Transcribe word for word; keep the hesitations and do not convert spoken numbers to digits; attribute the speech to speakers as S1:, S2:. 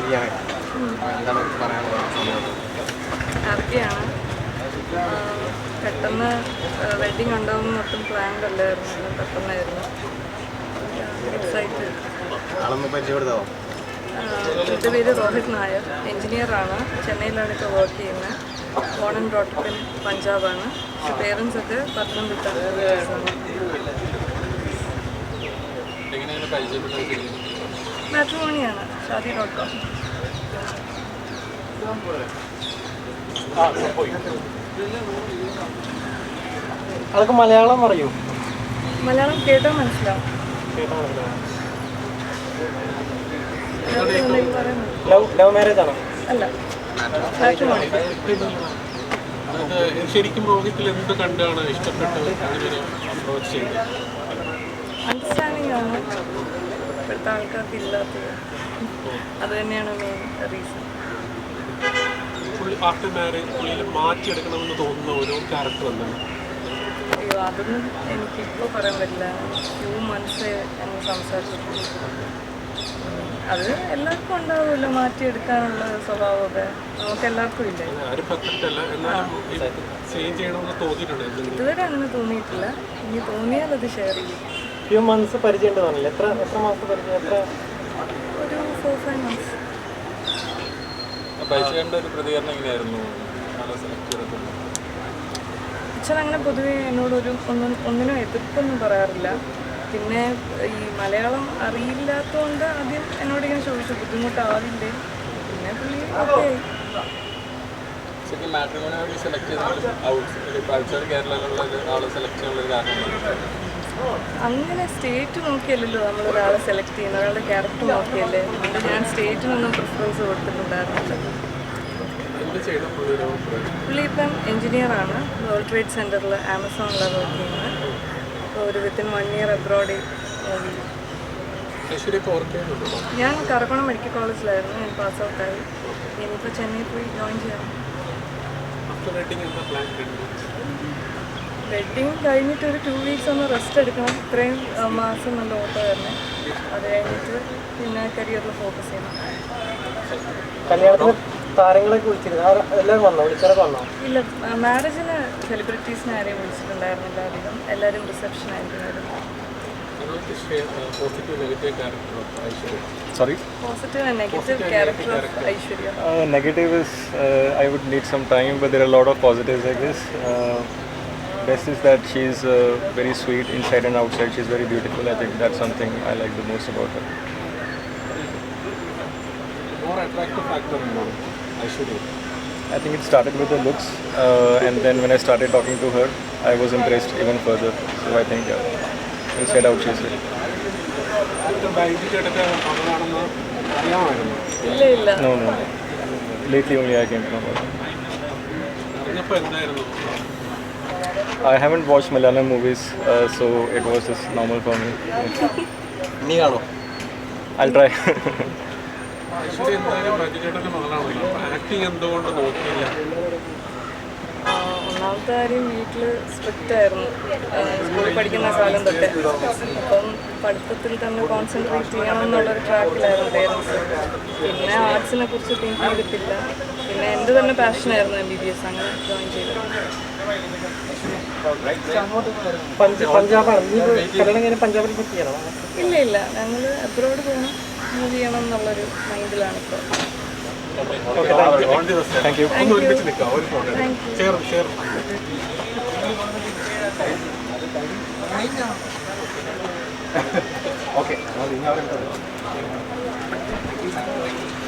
S1: ചെയ്യാനായിട്ട് എന്താണ് പറയാനുള്ളത്?
S2: ഹാപ്പിയാണ്. പെട്ടെന്ന് വെഡിങ് ഉണ്ടാവുമെന്ന് ഒട്ടും പ്ലാൻഡ് അല്ലായിരുന്നു, എല്ലാം പെട്ടെന്നായിരുന്നു. എക്സൈറ്റഡ്.
S1: ആളൊന്ന് പരിചയപ്പെടുത്താവോ?
S2: എൻ്റെ പേര് രോഹിത് നായർ, എൻജിനീയറാണ്. ചെന്നൈയിലാണ് ഇപ്പോൾ വർക്ക് ചെയ്യുന്നത്. ബോൺ ആൻഡ് ബ്രോട്ട് ഇൻ പഞ്ചാബാണ്. പക്ഷേ പേരൻസ് ഒക്കെ പത്തനംതിട്ട ആണ്. മാട്രിമോണിയാണ്, ഷാദി ഡോട്ട് കോം.
S1: അതൊക്കെ മലയാളം പറയൂ.
S2: മലയാളം കേട്ടാൽ മനസ്സിലാവും.
S1: ലവ് മാരേജ് ആണോ?
S2: അല്ല, മാട്രിമോണി.
S3: ശരിക്കും രോഹിത്തിൽ എന്ത് കണ്ടാണ് ഇഷ്ടപ്പെട്ടത്? അപ്രോച്ച് ചെയ്തത്
S2: അണ്ടർസ്റ്റാൻഡിംഗ് ആണ് ഇപ്പോഴത്തെ ആൾക്കാർക്ക് ഇല്ലാത്തത്. അത് തന്നെയാണ് മെയിൻ റീസൺ.
S3: ആഫ്റ്റർ മാരേജ് പുള്ളിയിൽ മാറ്റിയെടുക്കണമെന്ന് തോന്നുന്ന ഓരോ ക്യാരക്ടർ എന്താണ്?
S2: അയ്യോ, അതൊന്നും എനിക്കിപ്പോൾ പറയാൻ പറ്റില്ല. ഫ്യൂ മന്ത്സ് ഞങ്ങൾ സംസാരിച്ചിട്ടുണ്ട്. അത് എല്ലാവർക്കും ഉണ്ടാവുമല്ലോ മാറ്റിയെടുക്കാനുള്ള സ്വഭാവമൊക്കെ, നമുക്ക് എല്ലാവർക്കും ഇല്ലേ. ഇതുവരെ അങ്ങനെ തോന്നിയിട്ടില്ല. ഇനി തോന്നിയാൽ അത് ഷെയർ ചെയ്യും.
S1: ഫ്യൂ മന്ത്സ് പരിചയം തോന്നില്ല. എത്ര എത്ര മാസം പരിചയം? എത്ര?
S2: ഒരു ഫോർ ഫൈവ് മന്ത്സ്.
S3: ഒരു പ്രതികരണം എങ്ങനെയായിരുന്നു?
S2: അച്ഛൻ അങ്ങനെ പൊതുവേ എന്നോടൊരു ഒന്നും ഒന്നിനും എതിർപ്പൊന്നും പറയാറില്ല. പിന്നെ ഈ മലയാളം അറിയില്ലാത്തതുകൊണ്ട് ആദ്യം എന്നോട് ഇങ്ങനെ ചോദിച്ചു ബുദ്ധിമുട്ടാവില്ലേ. പിന്നെ പുള്ളി ഓക്കെ. അങ്ങനെ സ്റ്റേറ്റ് നോക്കിയല്ലല്ലോ നമ്മൾ ഒരാളെ സെലക്ട് ചെയ്യുന്നത്, ഒരാളുടെ ക്യാരക്ടർ നോക്കിയല്ലേ. അതുകൊണ്ട് ഞാൻ സ്റ്റേറ്റിനൊന്നും പ്രിഫറൻസ് കൊടുത്തിട്ടുണ്ടായിരുന്നില്ല. പുള്ളി ഇപ്പം എൻജിനീയറാണ്. വേൾഡ് ട്രേഡ് സെൻറ്ററിൽ ആമസോണിലാണ് വർക്ക് ചെയ്യുന്നത്. അപ്പോൾ ഒരു within one year abroad movie. ഞാൻ കറക്കോണം മെഡിക്കൽ കോളേജിലായിരുന്നു. ഞാൻ പാസ് ഔട്ടായി. ഇനിയിപ്പോൾ ചെന്നൈ പോയി ജോയിൻ ചെയ്യണം. വെഡിങ് കഴിഞ്ഞിട്ട് ഒരു ടു വീക്സ് ഒന്ന് റെസ്റ്റ് എടുക്കണം. ഇത്രയും മാസം നല്ല ഓട്ടോ തന്നെ. അത് കഴിഞ്ഞിട്ട് പിന്നെ കരിയറിൽ ഫോക്കസ് ചെയ്യണം.
S1: കല്യാണത്തിന് താരങ്ങളൊക്കെ വിളിച്ചിരുന്നു. എല്ലാവരും വന്നോ? വിളിച്ചാലൊക്കെ വന്നോ?
S2: ഇല്ല, മാരേജിന് സെലിബ്രിറ്റീസിനെ ആരെയും വിളിച്ചിട്ടുണ്ടായിരുന്നില്ല. അധികം എല്ലാവരും റിസപ്ഷൻ ആയിരിക്കുമായിരുന്നു.
S4: Sorry?
S2: Positive and negative character of Aishwarya.
S4: Uh, negative is uh, I would need some time, but there are a lot of positives, I guess. Uh, best is that she's uh, very sweet inside and outside. She's very beautiful. I think that's something I like the most about her.
S3: More attractive factor in Aishwarya?
S4: I think it started with her looks, uh, and then when I started talking to her, I was impressed even further. So I think uh, inside out she's good.
S2: ഇല്ല ഇല്ല.
S4: No, no, no. Lately only I came to know about it. I haven't watched Malayalam movies, uh, so it was just normal for me. I'll try.
S2: ഒന്നാമത്തെ കാര്യം വീട്ടിൽ strict ആയിരുന്നു സ്കൂളിൽ പഠിക്കുന്ന കാലം തൊട്ട്. അപ്പം പഠിത്തത്തിൽ തന്നെ കോൺസെൻട്രേറ്റ് ചെയ്യണം എന്നുള്ളൊരു ട്രാക്കിലായിരുന്നു പേരൻസ്. പിന്നെ ആർട്സിനെ കുറിച്ച് തിങ്ക് ചെയ്തിട്ടില്ല. പിന്നെ എൻ്റെ തന്നെ പാഷനായിരുന്നു എം ബി ബി എസ്. അങ്ങനെ ജോയിൻ ചെയ്തത്. ഇല്ല ഇല്ല, ഞങ്ങൾ അബ്രോഡ് പോകണം, മൂവ് ചെയ്യണം എന്നുള്ളൊരു മൈൻഡിലാണ് ഇപ്പോൾ.
S4: Thank you.
S2: Thank you.
S1: Okay.